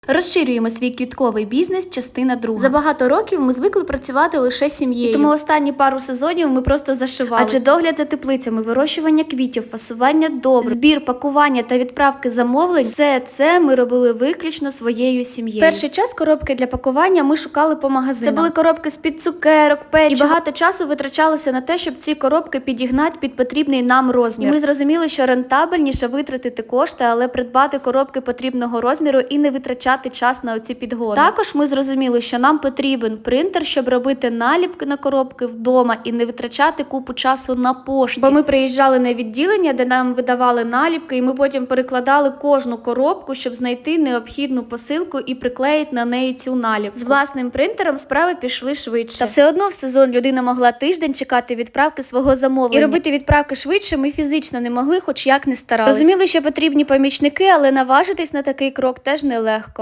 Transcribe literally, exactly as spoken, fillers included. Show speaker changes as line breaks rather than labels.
Розширюємо свій квітковий бізнес, частина друга. За багато років ми звикли працювати лише сім'єю. І тому останні пару сезонів ми просто зашивали. Адже догляд за теплицями, вирощування квітів, фасування добрив, збір, пакування та відправки замовлень – все це ми робили виключно своєю сім'єю. Перший час коробки для пакування ми шукали по магазинах. Це були коробки з-під цукерок, печива. І багато часу витрачалося на те, щоб ці коробки підігнати під потрібний нам розмір. І ми зрозуміли, що рентабельніше витратити кошти, але придбати коробки потрібного розміру і не витрачати час на оці підгони. Також ми зрозуміли, що нам потрібен принтер, щоб робити наліпки на коробки вдома і не витрачати купу часу на пошті. Бо ми приїжджали на відділення, де нам видавали наліпки, і ми потім перекладали кожну коробку, щоб знайти необхідну посилку і приклеїти на неї цю наліпку. З власним принтером справи пішли швидше. Та все одно в сезон людина могла тиждень чекати відправки свого замовлення. І робити відправки швидше ми фізично не могли, хоч як не старалися. Розуміли, що потрібні помічники, але наважитись на такий крок теж нелегко.